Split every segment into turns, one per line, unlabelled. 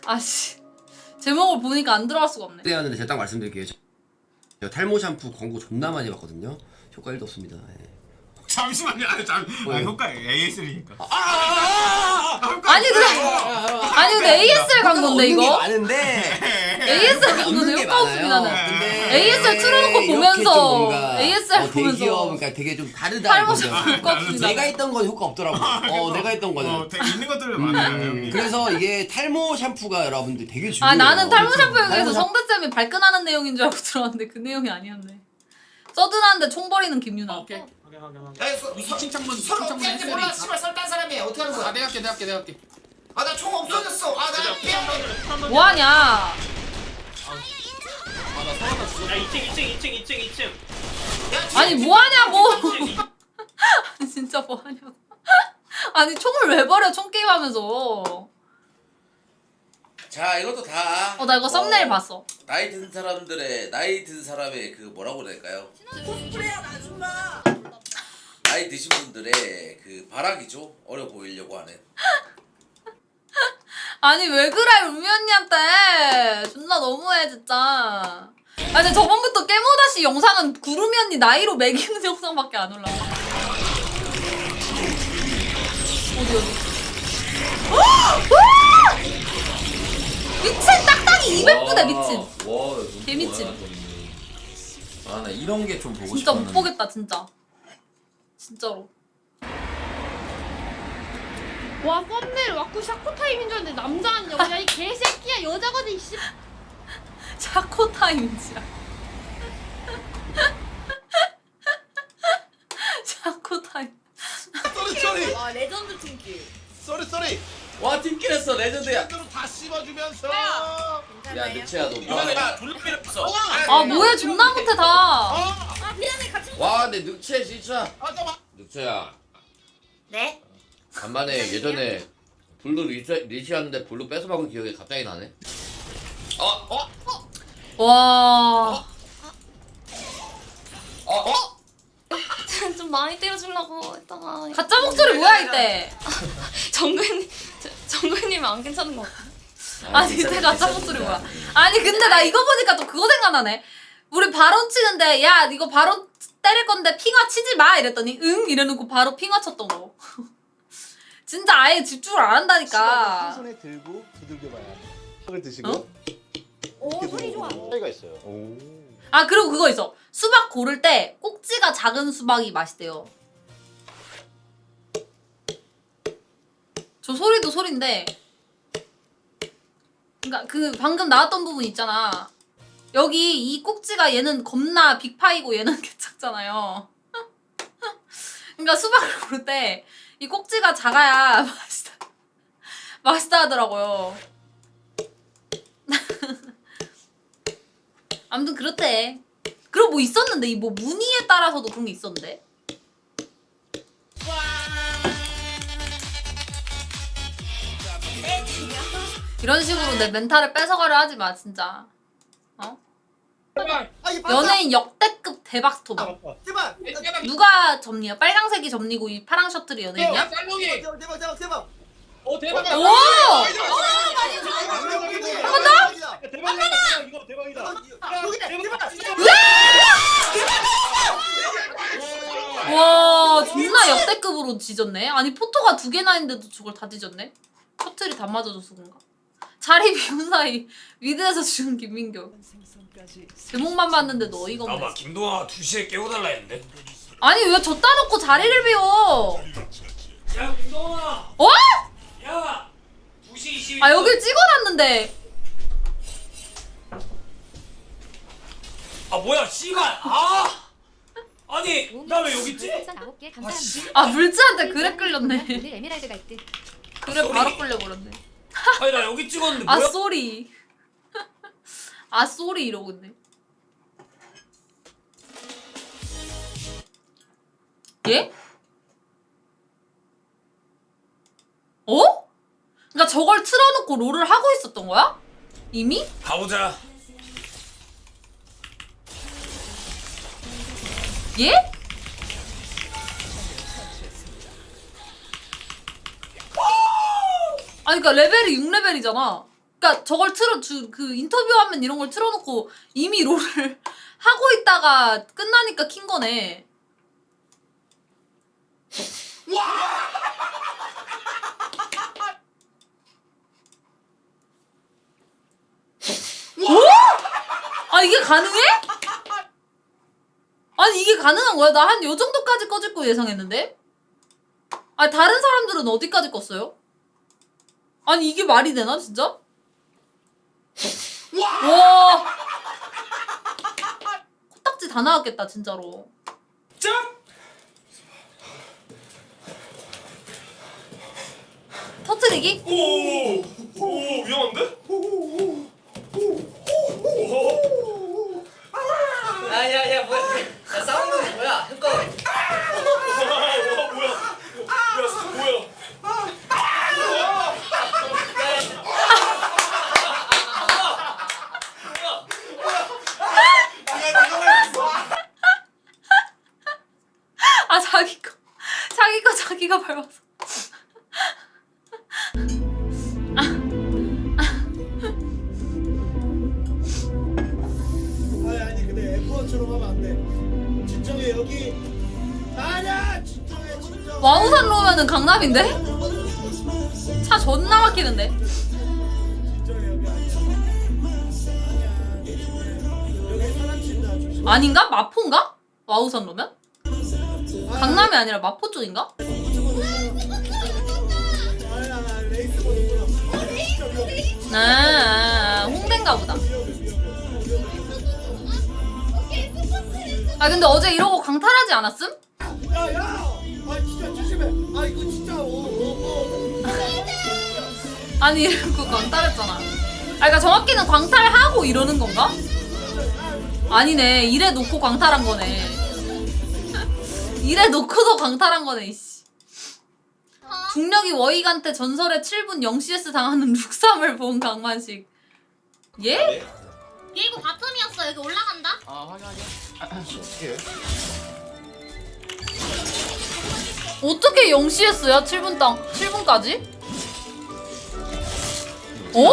아씨 제목을 보니까 안 들어갈 수가 없네.
하는데 제가 딱 말씀드릴게요. 제가 탈모 샴푸 광고 존나 많이 봤거든요. 효과 1도 없습니다. 예.
잠시만요. 효과 AS니까.
아니 근데 ASL 광고인데 이거?
많은데
ASL 광고는 효과 없습니다.
근데
ASL 틀어놓고
이렇게
보면서
좀 뭔가
ASL 보면서
대기업 그러니까 되게 좀 다르다.
탈모
이거죠.
샴푸 효과 없습니다.
내가 했던 건 효과 없더라고. 내가 했던 거는.
되게 있는 것들을 많아요. 형님.
그래서 이게 탈모 샴푸가 여러분들 되게 중요해요.
아 나는 탈모 샴푸에
탈모
대해서
샴푸-
성대쌤이 발끈하는 내용인 줄 알고 들어왔는데 그 내용이 아니었네. 서든한데 총 버리는 김유나.
오케이.
칭찬문
서로
칭찬문
어떻게 몰라.
했으니.
씨발 설딴 사람이야. 어떻게 하는 거야?
내가 할게.
아 나 총 없어졌어. 아나 빼야
뭐하냐?
아나 서하나 죽었어.
야 2층
아니 뭐하냐고. 아니 진짜 뭐하냐고. 아니 총을 왜 버려 총 게임 하면서.
자 이것도 다.
나 이거 썸네일 봤어.
나이 든 사람의 그 뭐라고 해야 될까요? 나이 드신 분들의 그 발악이죠. 어려 보이려고 하는.
아니 왜 그래 루미 언니한테. 존나 너무해 진짜. 아니 근데 저번부터 깨모다시 영상은 구름이 언니 나이로 매기는 영상밖에 안 올라와. 어디 미친 딱딱이 200부대 미친. 개미친.
아나 이런 게 좀 보고
진짜
싶었는데.
못 보겠다 진짜. 진짜로.
와 썸네일 와꾸 샤코 타임인 줄 알았는데 남자 아니냐고. 야이 개새끼야 여자거든 이씨.
샤코 타임이지야. 샤코 타임.
쏘리.
와 레전드 팀킬.
쏘리.
와 팀킬했어 레전드야.
대로 다 씹어주면서.
야 늑체야 너.
야 졸라 필요 없어.
아 뭐해 존나 못해 다.
아 미안해 같이.
와 근데 늑체 진짜.
잠깐만.
늑체야.
네?
간만에 예전에 블루 리시하는데 블루 뺏어 먹은 기억이 갑자기 나네.
와.
좀 많이 때려주려고 했다가
가짜 목소리 뭐야 이때.
정근님은 안 괜찮은 것 같아.
아니 이때 가짜 목소리 뭐야. 아니 근데 나 이거 보니까 또 그거 생각나네. 우리 바론 치는데 야 이거 바론 때릴 건데 핑화 치지 마 이랬더니 응 이래놓고 바로 핑화 쳤던 거. 진짜 아예 집중을 안
한
한다니까.
손에 들고 두들겨봐야 을 드시고
어?
오 소리 좋아.
차이가 있어요.
아 그리고 그거 있어. 수박 고를 때 꼭지가 작은 수박이 맛있대요. 저 소리도 소린데 그니까 그 방금 나왔던 부분 있잖아. 여기 이 꼭지가 얘는 겁나 빅파이고 얘는 개작잖아요. 그니까 수박을 고를 때 이 꼭지가 작아야 맛있다 하더라고요. 아무튼 그렇대. 그리고 뭐 있었는데 이 뭐 무늬에 따라서도 그런 게 있었는데. 이런 식으로 내 멘탈을 뺏어가려 하지 마 진짜. 어? 연예인 역대급 대박 스토머.
제발.
누가 점니야? 빨강색이 점니고 이 파랑 셔틀이 연예인이야?
쌀롱이.
대박.
오 대박.
오!
한번 더?
대박이다. 이거 대박이다.
와 존나 역대급으로 지졌네. 아니 포토가 2개나 있는데도 저걸 다 지졌네. 셔틀이 다 맞아줘서 그런가? 자리 비운 사이 위드에서 죽은 김민교. 제목만 봤는데도 어이가 없네.
아마 김동아 2시에 깨워달라 했는데.
아니 왜 줬다 놓고 자리를 비워?
야 김동아.
어?
야 2시 20분.
아 여길 찍어놨는데.
아 뭐야 씨발. 아 아니 나 왜 여기 있지? 아 씨.
아 물지한테 그래 끌렸네.
오늘 에메랄드가 있대.
그래 바로 끌려버렸네.
아니 나 여기 찍었는데
아
뭐야?
쏘리. 아 쏘리 이러고 있네. 예? 어? 그니까 저걸 틀어놓고 롤을 하고 있었던 거야? 이미?
가보자.
예? 아니 그니까 레벨이 6레벨이잖아. 그러니까 저걸 그 인터뷰하면 이런 걸 틀어놓고 이미 롤을 하고 있다가 끝나니까 킨 거네. 오? 아 이게 가능해? 아니 이게 가능한 거야? 나 한 요 정도까지 꺼질 거 예상했는데? 아 다른 사람들은 어디까지 껐어요? 아니 이게 말이 되나 진짜? 와 코딱지 다 나왔겠다 진짜로.
짠!
터트리기?
오 위험한데?
야야야 뭐야? 야 싸우는 거 뭐야? 흑거.
뭐야? 야 진짜 뭐야?
아 자기 거 자기가 밟아서.
아니 근데 F1처럼 하면 안 돼. 진정해 여기. 아니야 진정해 진정.
와우산로 오면은 강남인데? 차 존나 막히는데?
진정해 여기 아니야. 여기 사람 친다 조심.
아닌가? 마포인가? 와우산로면? 강남이 아니라 마포 쪽인가?
아야 레이스 보는구나. 진짜 위험해.
홍대인가 보다. 아 근데 어제 이러고 광탈하지 않았음?
야야. 아 진짜 조심해. 아 이거 진짜.
아니 이러고 광탈했잖아. 아 그러니까 정확히는 광탈하고 이러는 건가? 아니네 이래 놓고 광탈한 거네. 이래 놓고도 광탈한 거네 이씨. 중력이 워익한테 전설의 7분 0CS 당하는 룩삼을 본 강만식. 예?
얘이거 바텀이었어. 여기 올라간다.
아 확인하게.
어떻게 0CS야 7분까지? 어?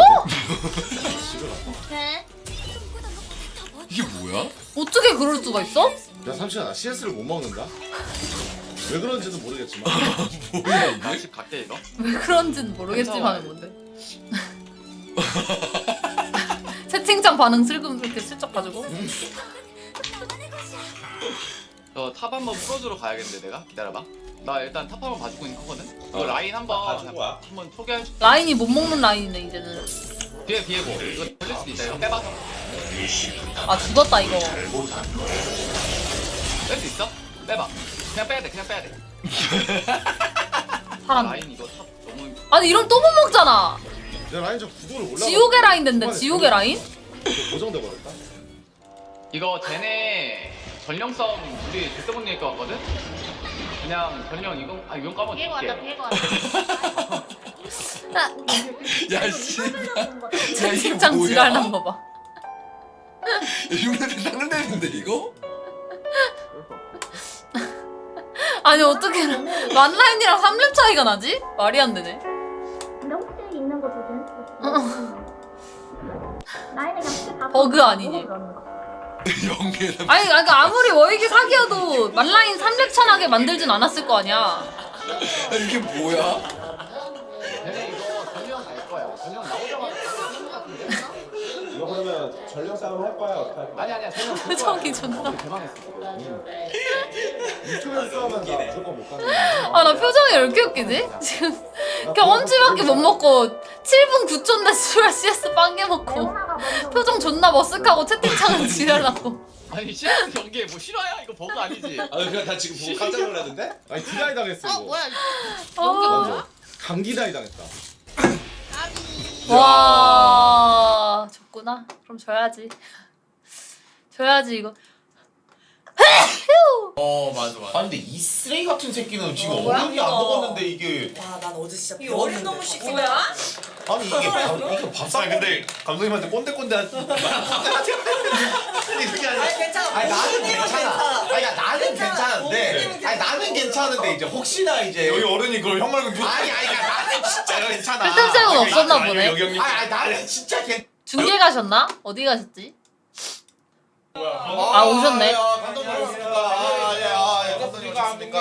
오케이.
이게 뭐야?
어떻게 그럴 수가 있어?
야 삼촌아 나 CS를 못 먹는다. 왜 그런지는 모르겠지만.
뭐야 이게?
다시 갈게 이거.
왜 그런지는 모르겠지만 뭔데? 채팅창 반응 슬금스럽게 슬쩍 가지고.
탑 한번 풀어주러 가야겠는데 내가 기다려봐. 나 일단 탑 한번 봐주고 있는 거거든. 이거 라인 한번 소개해.
라인이 못 먹는 라인이네 이제는.
뒤에 비에고 이거 걸릴 수도 있다. 이거 빼봐서
아 죽었다 이거.
뺄 수 있어? 빼봐. 그냥 빼야 돼. 그냥 빼야 돼.
살았네.
라인 이거 탑 너무.
아니 이러면 또 못 먹잖아.
야 라인 저 구도를 몰라.
지옥의 라인 된대. 지옥의 라인?
고정돼 버렸다.
이거 쟤네 전령 싸움 우리 절대 못 이길 것 같거든? 그냥 전령 이건 까먹어
비에고 왔다.
줄게.
비에고 왔다.
야 씨발. 야 이게
채팅창
뭐야?
지랄난 거 봐.
이분한테 상대인데 이거?
아니 어떻게 만라인이랑 3렙 차이가 나지? 말이 안 되네.
근데 혹시 있는 거 조심. 나이는 그냥 혹시 다
버그 아니지?
연계.
아니 그러니까 아무리 워익이 사기여도 만라인 3렙 차나게 만들진 않았을 거 아니야.
아 이게 뭐야?
쟤네 이거 전령 갈 거야. 전령 나오자마자 싸우는 것 같은데?
이거 그러면 전력 싸움 할 거야 어떻게 할 거야?
아니야 전령 갈 거야.
표정이 존나.
대박했어.
유튜브에서 싸우면 나 무조건 못 가는 거야.
아 나 표정이 왜 이렇게 웃기지? 지금 경험치밖에 못 먹고 7분 9초인데 수라 CS 빵개 먹고 표정 존나 머쓱하고 채팅창은 지랄나고.
아니 CS 경기에 뭐 실화야? 이거 버그 아니지?
아 그냥 나 지금 보고 깜짝 놀랐는데? 아니 디다이 당했어 이거.
뭐야?
아,
감기 다이 당했다.
와 졌구나. 그럼 져야지. 져야지 이거.
맞아. 아니 근데 이 쓰레기 같은 새끼는 지금
뭐야?
어른이 안 먹었는데 이게.
와난 어제 진짜
이 어린 놈의 새끼 뭐야?
아니 이게 밥상 근데 감독님한테 꼰대꼰대 하지 아니 그게 아니라
괜찮아.
아니 나는 괜찮아 아니 나는 괜찮은데 아니 나는 괜찮은데 이제 혹시나 이제 여기 어른이 그걸 형 말고 누가 아니 나는 진짜 괜찮아
필통쌤은 없었나 보네.
아니 나는 진짜 괜찮아
중계 가셨나? 어디 가셨지? 아, 오셨네.
감독님 오셨습니까? 감독님 오셨습니까?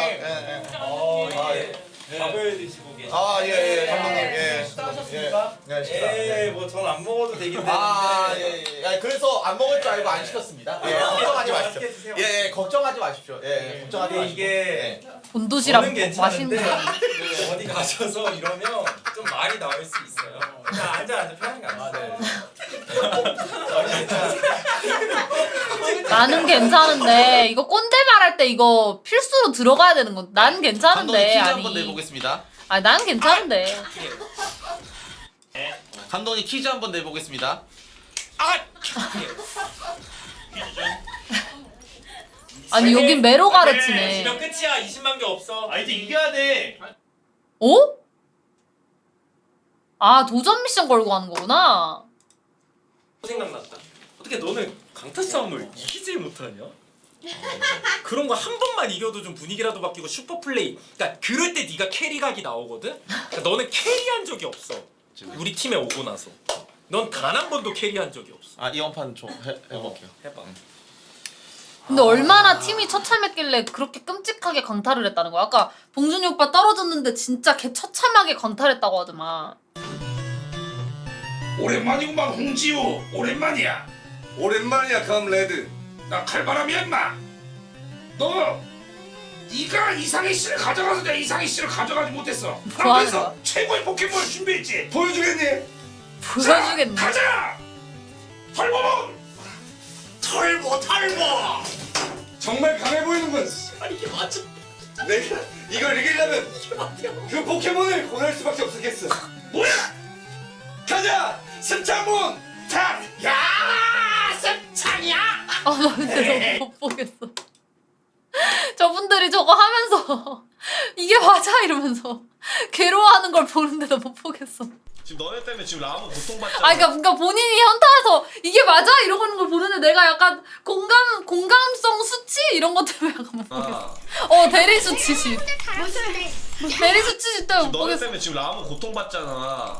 밥을 드시고 계시죠?
예 감독님 예
식사하셨습니까?
네
예, 뭐 전 안 먹어도 되긴 되는데.
예. 그래서 안 먹을 줄 알고 안 시켰습니다. 예, 걱정하지 마십시오.
맛있게 드세요.
예, 걱정하지 마십시오. 예, 걱정하지 마십시오.
이게
본도시락
저는
먹고 맛있는
괜찮은데
거.
어디 가셔서 이러면 좀 말이 나올 수 있어요. 그냥 앉아 편하게 앉아.
나는 괜찮은데 이거 꼰대 말할 때 이거 필수로 들어가야 되는 건. 난 괜찮은데.
한번 내보겠습니다.
아니 난 괜찮은데.
감독님 퀴즈 한번 내보겠습니다.
아니 여긴 매로 가르치네.
지면 끝이야. 20만 개 없어. 아 이제 이겨야 돼.
어? 아 도전 미션 걸고 가는 거구나.
생각났다. 어떻게 너는 강타 싸움을 이기질 못하냐? 그런 거 한 번만 이겨도 좀 분위기라도 바뀌고 슈퍼 플레이. 그러니까 그럴 때 네가 캐리각이 나오거든. 그러니까 너는 캐리한 적이 없어. 우리 팀에 오고 나서. 넌 단 한 번도 캐리한 적이 없어.
이번 판 좀 해볼게요.
해봐.
근데 얼마나 팀이 처참했길래 그렇게 끔찍하게 강탈을 했다는 거야? 아까 봉준이 오빠 떨어졌는데 진짜 개 처참하게 강탈했다고 하더만.
오랜만이구만 홍지호. 오랜만이야. 오랜만이야 감레드. 나 칼바람이야 인마. 너 네가 이상희 씨를 가져가서 내가 이상희 씨를 가져가지 못했어.
뭐 하는
그래서
거야?
최고의 포켓몬을 준비했지. 보여주겠니?
보여주겠네.
자, 가자. 털보몬. 털보. 정말 강해 보이는군. 아니 이게 맞아? 내가 이걸 이기려면 그 포켓몬을 보낼 수밖에 없었겠어. 뭐야? 가자. 승창문. 탁. 야, 승창이야.
아 나 근데 너무 못 보겠어. 저분들이 저거 하면서 이게 맞아 이러면서 괴로워하는 걸 보는데도 못 보겠어.
지금 너네 때문에 지금 라무 고통받잖아.
아 그러니까 본인이 현타와서 이게 맞아 이러고 있는 걸 보는데 내가 약간 공감성 수치 이런 것 때문에 약간 못 보겠어. 대리 수치지. 대리 수치지 때문에 못
너네
보겠어.
때문에 지금 라무 고통받잖아.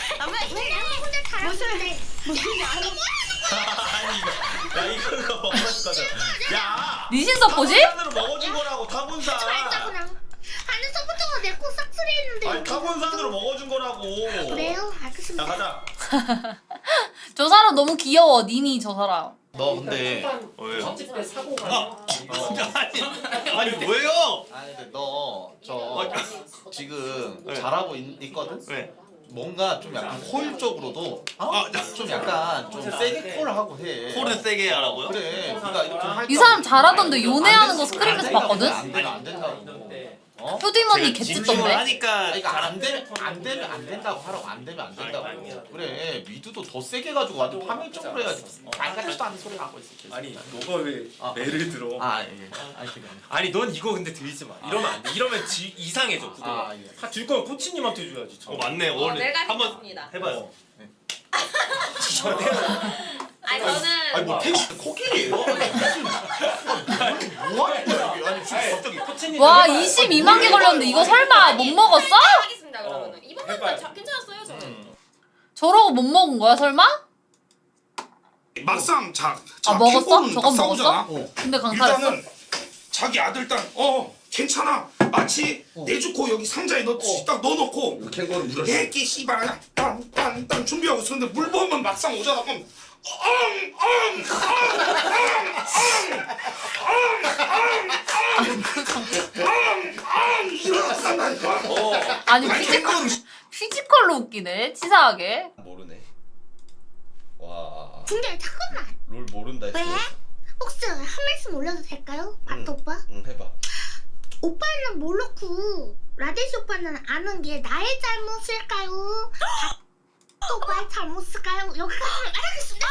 야 이거 먹어줄 거잖아. 야.
니신 서포지?
타곤산으로 먹어준 거라고 타곤산.
하는 서부터가 내코 싹쓸이 했는데.
아니 타곤산으로 먹어준 거라고.
그래요? 알겠습니다.
자 가자.
저 사람 너무 귀여워. 니니 저 사람.
너 근데
전집 때 사고가.
아니 왜요?
아니 근데 너 지금 잘하고 있거든?
네.
뭔가 좀 약간 효율적으로도 좀 약간 좀 세게 콜을 하고 해.
콜은 세게 하라고요?
그래. 그러니까 이렇게 할
이 사람 잘하던데 요네하는 거 스크림에서 봤거든?
안 되면 안 된다고.
효디머니 개찢던데?
하니까
그러니까 안 되면 안 된다고 하라고. 안 되면 안 된다고. 그래. 미드도 더 세게 가지고 완전 파멸적으로 해야지. 안 같지도 않은 소리 하고 있어. 계속.
아니 너가 왜 매를 들어?
예. 아니 그게 아니야.
아니 넌 이거 근데 들지 마. 이러면 안 돼. 이러면 이상해져 구도가.
예.
줄 거면 코치님한테 줘야지.
맞네. 원래
내가
한번
해봤습니다.
해봐요.
아니 저는
아니 뭐 테니스 코끼리예요? 뭐 하는 거야 이게? 아니 진짜 갑자기
코치님
와 22만 개 걸렸는데 이거 설마 못 먹었어?
하겠습니다 그러면은 이번
해봐요.
판 괜찮았어요 저는.
저러고 못 먹은 거야 설마?
막상
먹었어? 저건 먹었어? 근데 강탈했어?
일단은 자기 아들 딸 괜찮아. 마치 내주고 여기 상자에 딱 넣어놓고
캥거루 물었어.
애기 씨발 그냥 딴 준비하고 있었는데 물 보면 막상 오잖아. 그럼 일어났단다니까.
아니 피지컬로 웃기네 치사하게.
모르네. 와.
근데 잠깐만.
롤 모른다 했어.
왜? 혹시 한 말씀 올려도 될까요? 마트 오빠?
응 해봐.
오빠는 모르고 라데시 오빠는 아는 게 나의 잘못일까요? 오빠의 잘못일까요? 여기가 알겠습니다.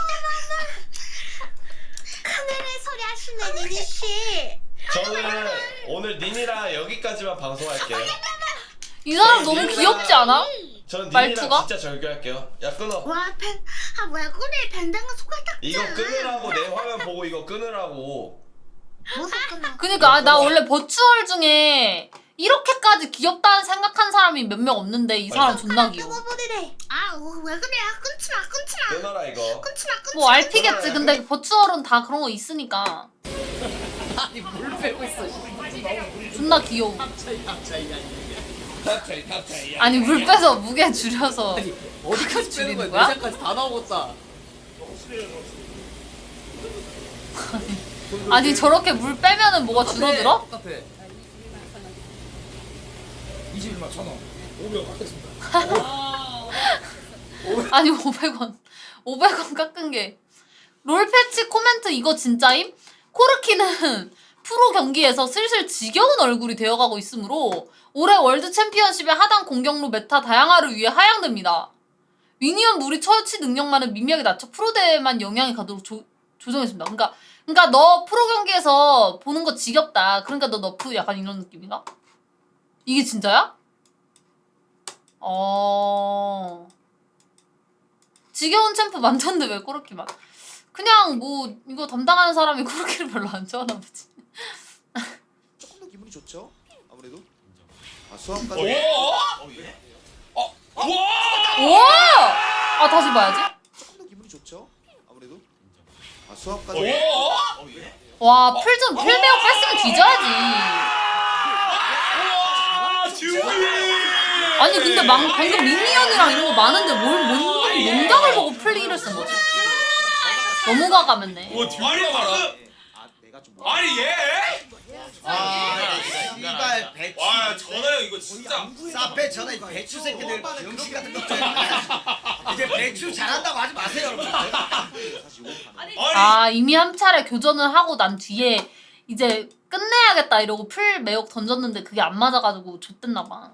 카메라에 소리 하시네 니니 씨.
저는 오늘 님이랑 여기까지만 방송할게요.
이 사람 너무 귀엽지 않아?
전
말투가?
진짜 절교할게요. 야 끊어.
와, 왜 그래? 밴댕은 손가락
이거 끊으라고 내 화면 보고 이거 끊으라고.
그니까 나 원래 버추얼 중에 이렇게까지 귀엽다는 생각한 사람이 몇 명 없는데 이 사람 존나 귀여워.
왜 그래? 끊지 마.
끊어라 이거.
뭐 RP겠지. 근데 버추얼은 다 그런 거 있으니까.
아니 물 빼고 있어.
존나 귀여워.
갑자기.
아니 물 빼서 무게 줄여서
어디까지
줄이는
빼는
거야?
거야? 내장까지 다 나오겠다.
아니 저렇게 물 빼면은 뭐가 줄어들어?
똑같아.
21만 1,000원. 500원 깎겠습니다.
아니 500원 깎은 게 롤 패치 코멘트 이거 진짜임? 코르키는 프로 경기에서 슬슬 지겨운 얼굴이 되어가고 있으므로 올해 월드 챔피언십의 하단 공격로 메타 다양화를 위해 하향됩니다. 미니언 무리 처치 능력만은 미미하게 낮춰 프로 대회만 영향이 가도록 조정했습니다. 그러니까 너 프로 경기에서 보는 거 지겹다. 그러니까 너 너프 약간 이런 느낌인가? 이게 진짜야? 지겨운 챔프 많던데 왜 코르키만? 그냥 뭐 이거 담당하는 사람이 코르키를 별로 안 좋아하나 보지.
조금 더 기분이 좋죠. 아무래도. 수학까지.
와! 아 다시 봐야지.
조금 더 기분이 좋죠. 아무래도. 수학까지.
와, 풀매우 뺐으면 뒤져야지. 아니 근데 방금 미니언이랑 이런 거 많은데 뭔 농작을 보고 플레이를 쓴 거지? 너무 과감했네.
아니 봐라.
내가 좀.
아니 얘.
이발 배추.
와 전화 형 이거 진짜.
사페 전에 배추 새끼들 병신 같은 거 이제 배추 잘한다고 하지 마세요 여러분.
아 이미 한 차례 교전을 하고 난 뒤에 이제 끝내야겠다 이러고 풀 매혹 던졌는데 그게 안 맞아가지고 좆됐나 봐.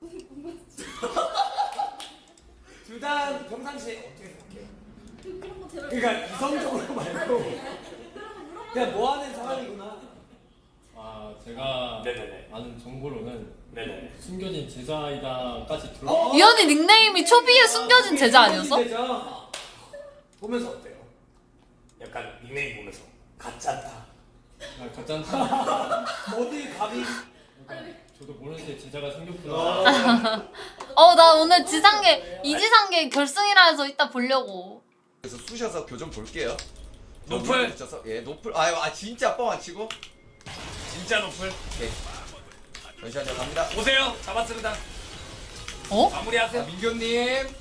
둘 다 평상시에 어떻게 생각해요? 그러니까 이성적으로 말고 그냥 뭐 하는 사람이구나.
아 제가
네네네.
아는 정보로는
네네.
숨겨진 제자이다까지 들어.
이 언니 닉네임이 초비의 숨겨진 제자 아니었어?
보면서 어때요? 약간 닉네임 보면서 가짜다.
아, 가짠다.
어디 감히?
저도 모르는 새 제자가 생겼구나.
나 오늘 이지상계 결승이라 해서 이따 보려고.
그래서 쑤셔서 교정 볼게요.
노플.
예 노플. 진짜 뻥안 치고.
진짜 노플.
오케이. 잠시만요 갑니다.
오세요. 잡았습니다. 마무리하세요.
민규님.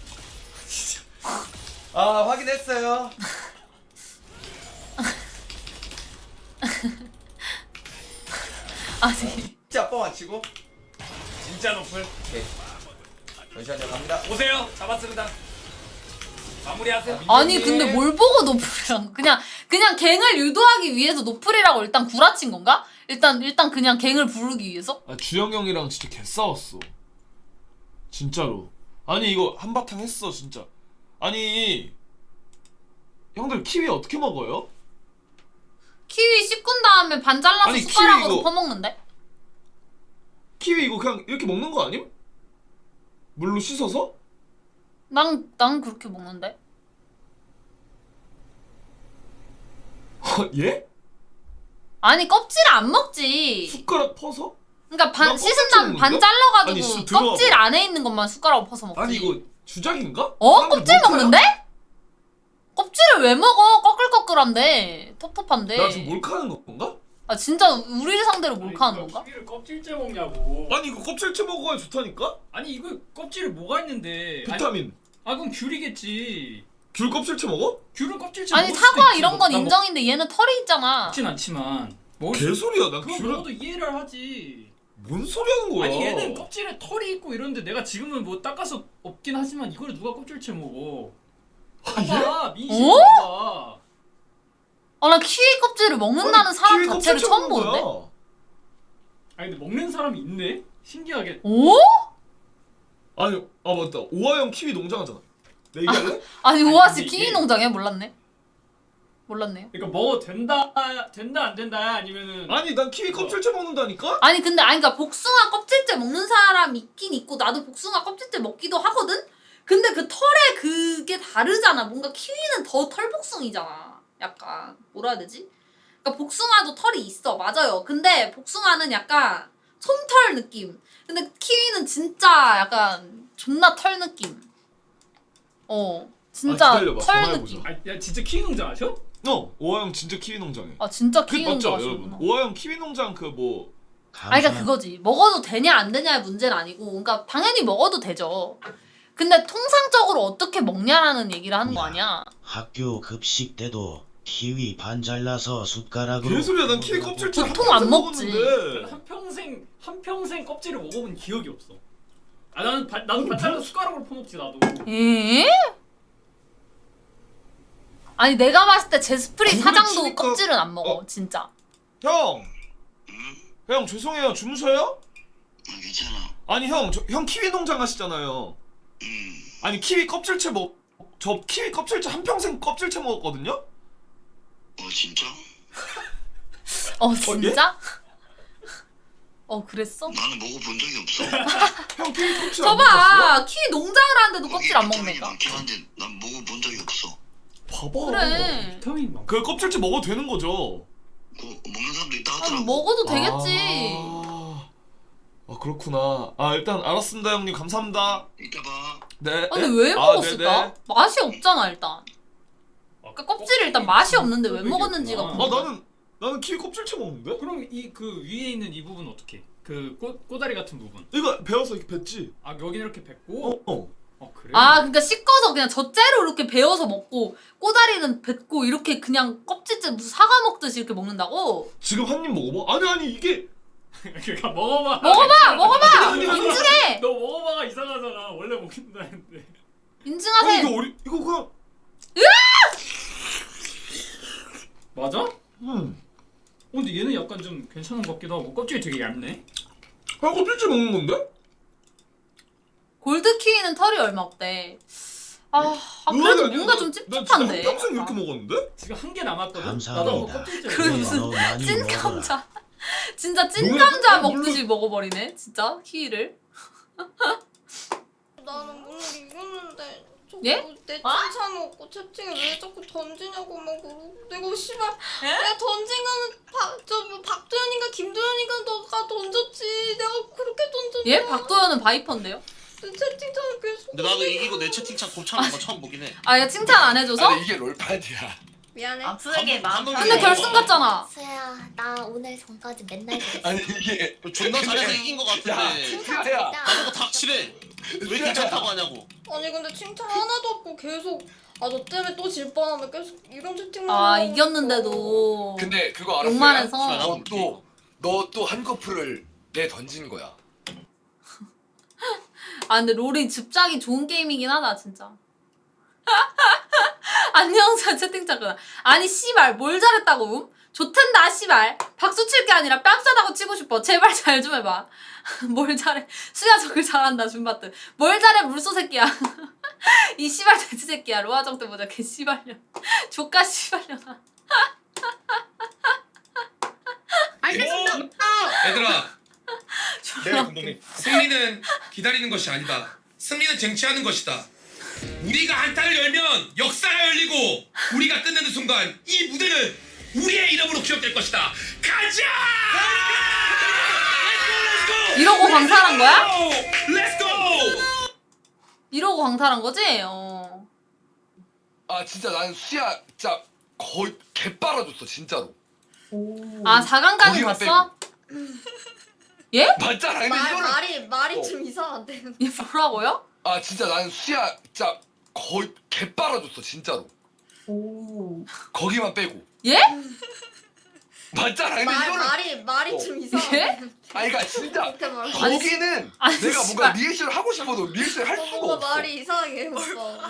확인했어요.
아니
진짜 뻥안 치고.
진짜 노플.
오케이. 잠시만요 갑니다.
오세요. 잡았습니다. 마무리하세요.
아니 근데 뭘 보고 노플이랑 그냥 갱을 유도하기 위해서 노플이라고 일단 구라친 건가? 일단 그냥 갱을 부르기 위해서?
주영 형이랑 진짜 개 싸웠어. 진짜로. 아니 이거 한바탕 했어 진짜. 아니 형들 키위 어떻게 먹어요?
키위 씻은 다음에 반 잘라서
아니,
숟가락으로
키위 이거-
퍼먹는데?
키위 이거 그냥 이렇게 먹는 거 아님? 물로 씻어서?
난 그렇게 먹는데?
예?
아니 껍질 안 먹지.
숟가락 퍼서?
그러니까 반
난
씻은
껍질
다음에 반
먹는다?
잘라가지고
아니, 씨, 들어봐
껍질
봐.
안에 있는 것만 숟가락으로 퍼서 먹지.
아니 이거 주작인가?
껍질
사람들 몰카야?
먹는데? 껍질을 왜 먹어? 꺼끌꺼끌한데 텁텁한데.
나 지금 몰카하는 건가?
아 진짜 우리를 상대로 몰카하는 건가?
키위를 껍질째 먹냐고.
아니 이거 껍질째 먹어야 좋다니까?
아니 이거 껍질에 뭐가 있는데?
비타민.
그럼 귤이겠지.
귤 껍질째 먹어?
귤은 껍질째
아니
먹을 수도
사과
있지.
이런 건
나
인정인데 얘는 털이 있잖아.
먹진 않지만.
개소리야. 난
그거
귤은
먹어도 이해를 하지.
뭔 소리 하는 거야?
아니 얘는 껍질에 털이 있고 이런데 내가 지금은 뭐 닦아서 없긴 하지만 이걸 누가 껍질째 먹어? 봐봐 민심
어?
봐봐.
나 키위 껍질을 먹는다는 사람
키위
자체를
껍질째
처음
먹는
보는데?
거야.
아니 근데 먹는 사람이 있네? 신기하게.
오?
아니 맞다. 오하영 키위 농장 하잖아. 내 얘기할래?
아니 우아씨
근데
키위
이게-
농장이야? 몰랐네. 몰랐네요.
그러니까 먹어도 된다 안 된다 아니면은
아니 난 키위 껍질째 먹는다니까?
아니 근데 그러니까 복숭아 껍질째 먹는 사람 있긴 있고 나도 복숭아 껍질째 먹기도 하거든. 근데 그 털에 그게 다르잖아. 뭔가 키위는 더 털복숭이잖아. 약간 뭐라 해야 되지? 그러니까 복숭아도 털이 있어. 맞아요. 근데 복숭아는 약간 솜털 느낌. 근데 키위는 진짜 약간 존나 털 느낌. 진짜
기다려봐,
털
전화해보자.
느낌.
야 진짜 키위 농장 하셔?
오하영 진짜 키위 농장에.
아 진짜
그
키위 농장
맞죠
하시구나.
여러분? 오하영 키위 농장 그 뭐.
아니 그러니까 그거지. 먹어도 되냐 안 되냐의 문제는 아니고 그러니까 당연히 먹어도 되죠. 근데 통상적으로 어떻게 먹냐라는 얘기를 하는 거 아니야.
학교 급식 때도 키위 반 잘라서 숟가락으로.
개소리야 난 키위 껍질째
보통 안 먹지.
한평생 껍질을 먹어본 기억이 없어. 아 나는 반 잘라서 숟가락으로 퍼먹지 나도.
에? 아니 내가 봤을 때 제스프리
구글
사장도
치니까-
껍질은 안 먹어 진짜.
형! 형 죄송해요 주무셔요?
괜찮아.
아니 형 키위 농장 하시잖아요. 아니 키위 껍질째 저 키위 껍질째 한평생 껍질째 먹었거든요?
진짜?
진짜? 그랬어?
나는 먹어본 적이 없어.
형 키위 껍질 안
저봐
먹었어요?
키위 농장을 하는데도 껍질 안 먹는다.
많긴 한데 난 먹어본 적이 없어.
봐봐.
그래.
비타민 많.
그 껍질째 먹어도 되는 거죠?
먹는 사람도 있다
아니,
하더라고.
먹어도 되겠지.
아 그렇구나. 아 일단 알았습니다 형님 감사합니다.
이따 봐.
네.
아니 왜 먹었을까? 맛이 없잖아 일단. 그러니까 껍질이 일단 맛이 없는데 왜 먹었는지가 궁금해.
나는 키위 껍질째 먹는데?
그럼 이 그 위에 있는 이 부분 어떻게? 그 꼬다리 같은 부분.
이거 베어서 이렇게 뱉지.
아 여기 이렇게 뱉고. 그래?
그러니까 씻어서 그냥 젖째로 이렇게 베어서 먹고 꼬다리는 뱉고 이렇게 그냥 껍질째 무슨 사과 먹듯이 이렇게 먹는다고?
지금 한 입 먹어봐. 아니 이게.
그러니까 먹어봐.
먹어봐.
아니,
인증해.
너 먹어봐가 이상하잖아. 원래 먹는다는데.
인증하세요.
이거 그냥.
맞아? 근데 얘는 약간 좀 괜찮은 것 같기도 하고 껍질이 되게 얇네.
껍질째 먹는 건데?
골드 키위는 털이 얼마 없대. 그래도 뭔가 좀 찝찝한데.
평생 이렇게 먹었는데?
지금 한 개 남았거든.
감사합니다.
나도 한번 껍질째.
그 무슨
너 많이
찐
먹어라.
감자. 진짜 찐 감자 먹듯이 먹어버리네. 진짜 키위를.
나는 오늘 이겼는데 자꾸
예?
내 칭찬 먹고 채팅에 왜 자꾸 던지냐고 막 그러고 내가 씨발 내가 던진 거는 박도현인가 김도현인가 너가 던졌지 내가 그렇게 던졌냐
예? 박도현은 바이퍼인데요?
내 채팅창을 계속
근데 나도 이기고 내 채팅창 곱창한 거 처음 보긴 해.
얘 칭찬 안 해줘서?
이게 롤판이야.
미안해
쓰게 마음
근데 결승 갔잖아.
수야 나 오늘 전까지 맨날 그랬어.
아니 이게 존나 잘해서 이긴 거 같은데.
칭찬이다.
나보고 닥치래. 왜 괜찮다고 하냐고.
아니 근데 칭찬 하나도 없고 계속 너 때문에 또 질 뻔하면 계속 이런 채팅만
이겼는데도
근데 그거 알았어요?
욕만 해서.
너 또 한꺼풀을 내 던진 거야.
근데 롤이 즙작이 좋은 게임이긴 하다 진짜. 안녕사 채팅창. 아니 씨발 뭘 잘했다고? 좋텐다 씨발. 박수 칠 게 아니라 뺨싸다고 치고 싶어. 제발 잘 좀 해봐. 뭘 잘해. 수야 저글 잘한다 줌바트. 뭘 잘해 물소 새끼야. 이 씨발 돼지 새끼야. 로아정 때 보자 개 씨발년. 조카 씨발년아.
알겠습니다.
얘들아 승리는 기다리는 것이 아니다. 승리는 쟁취하는 것이다. 우리가 한타를 열면 역사가 열리고 우리가 끝내는 순간 이 무대는 우리의 이름으로 기억될 것이다. 가자!
이러고 광탈한 거야?
렛츠고!
이러고 광탈한 거지?
아 진짜 나는 수야 진짜 거의 개 빨아줬어 진짜로.
4강까지
거기만
갔어? 예?
맞잖아. 근데 이거는
말이 좀 이상한데.
얘 뭐라고요?
아 진짜 나는 수야 진짜 거의 개 빨아줬어 진짜로. 거기만 빼고.
예?
맞잖아. 근데 이거는
말이 좀 이상한데.
예?
아니 그러니까 진짜
말해.
거기는
아니,
내가
씨발.
뭔가 리액션을 하고 싶어도 리액션을 할 수가
뭔가
없어.
말이 이상하게 해봤어.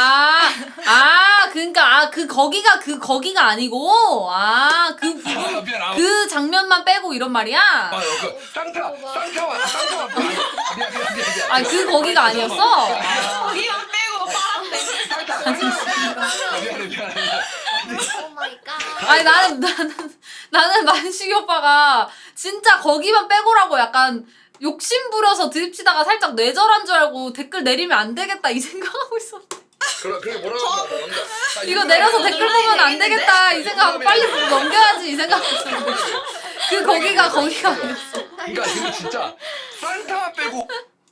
그러니까 그 거기가 아니고 그 부분
미안,
그 장면만 빼고 이런 말이야?
그 쌍타만 미안.
그 거기가 아니었어?
거기만 빼고
미안해.
오 마이 갓.
아니 나는 만식이 오빠가 진짜 거기만 빼고라고 약간 욕심 부려서 드립치다가 살짝 뇌절한 줄 알고 댓글 내리면 안 되겠다 이 생각하고 있었는데.
그래 뭐라고 한다.
이거 내려서 댓글 보면 안 되겠다 이 생각하고 빨리 보고 넘겨야지 이 생각하고 있었는데 거기가 아니었어.
그러니까 지금 진짜 산타 빼고.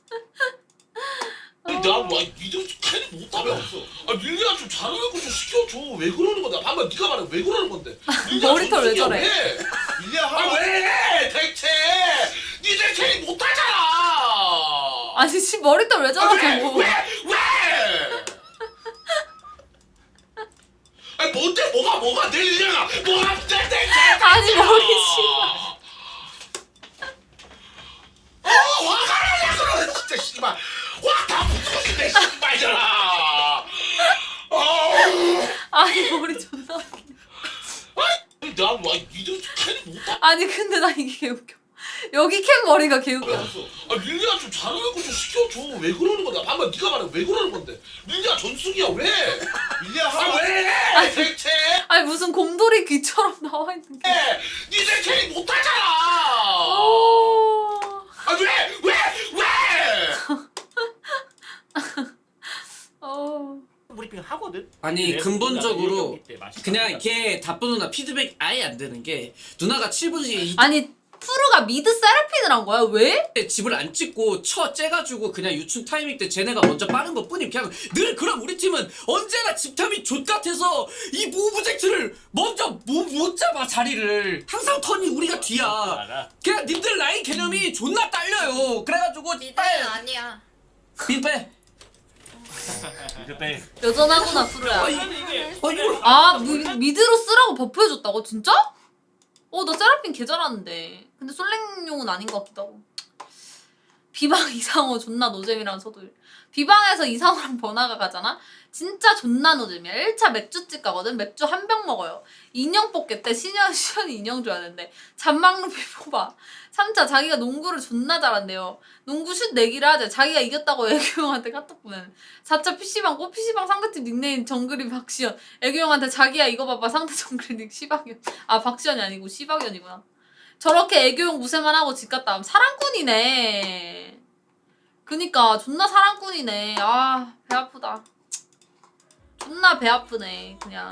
나뭐 니들 캐리 못하면 없어. 아 밀리야 좀 잘하는 좀 시켜줘. 왜 그러는 건데? 방금 네가 말해 왜 그러는 건데?
머리털 왜 저래?
밀리야 왜 대체? 니들 캐리 못하잖아.
아니 씨 머리털 왜 저러냐고.
왜? 아니 뭔데 뭐가 내 일이야? 뭐가 내
아니 머리 씨.
화가 나냐 그래 진짜 씨발. 화다 붙고 싶네 씨발잖아.
아니 머리 존나 웃기네.
나와 니들 캐리 못하.
아니 근데 나 이게 개웃겨. 여기 캔 머리가 개웃겨.
아 밀리야 좀 잘하는 좀 시켜줘. 왜 그러는 거야? 방금 네가 말해 왜 그러는 건데? 밀리야 전승이야 왜? 밀리야 왜? 대체?
아니 무슨 곰돌이 귀처럼 나와 있는 게.
니들 캐리 못하잖아. 아 왜?
브리핑 하거든.
아니
그래서
근본적으로
우리가 때 맛있다.
그냥 걔 답변 누나 피드백 아예 안 되는 게 누나가 7분 뒤에
아니 푸르가 미드 세라핀을 한 거야? 왜?
집을 안 찍고 째가지고 그냥 유충 타이밍 때 쟤네가 먼저 빠른 것 뿐임. 그냥 늘 그럼 우리 팀은 언제나 집탐이 좆같아서 이 무브젝트를 먼저 못 잡아 자리를. 항상 턴이 우리가 뒤야. 그냥 님들 라인 개념이 존나 딸려요. 그래가지고
미드는 아니야.
민빼
여전하구나 푸르야.
이걸
미드로 쓰라고 버프해줬다고? 진짜? 나 세라핀 개 잘하는데. 근데 솔랭용은 아닌 것 같기도 하고. 비방 이상호 존나 노잼이랑 서도일. 비방에서 이상호랑 번화가 가잖아? 진짜 존나 노잼이야. 1차 맥주집 가거든? 맥주 한 병 먹어요. 인형 뽑겠대. 시연이 인형 줘야 되는데. 잔망루피 뽑아. 3차 자기가 농구를 존나 잘한대요. 농구 슛 내기를 하자. 자기가 이겼다고 애교 형한테 카톡 보내는. 4차 PC방 PC방 상대팀 닉네임 정글이 박시연. 애교 형한테 자기야 이거 봐봐 상대 정글 닉 시박연. 아 박시연이 아니고 시박연이구나. 저렇게 애교용 무쇠만 하고 집 갔다 하면 사랑꾼이네. 그니까 존나 사랑꾼이네. 아 배 아프다. 존나 배 아프네 그냥.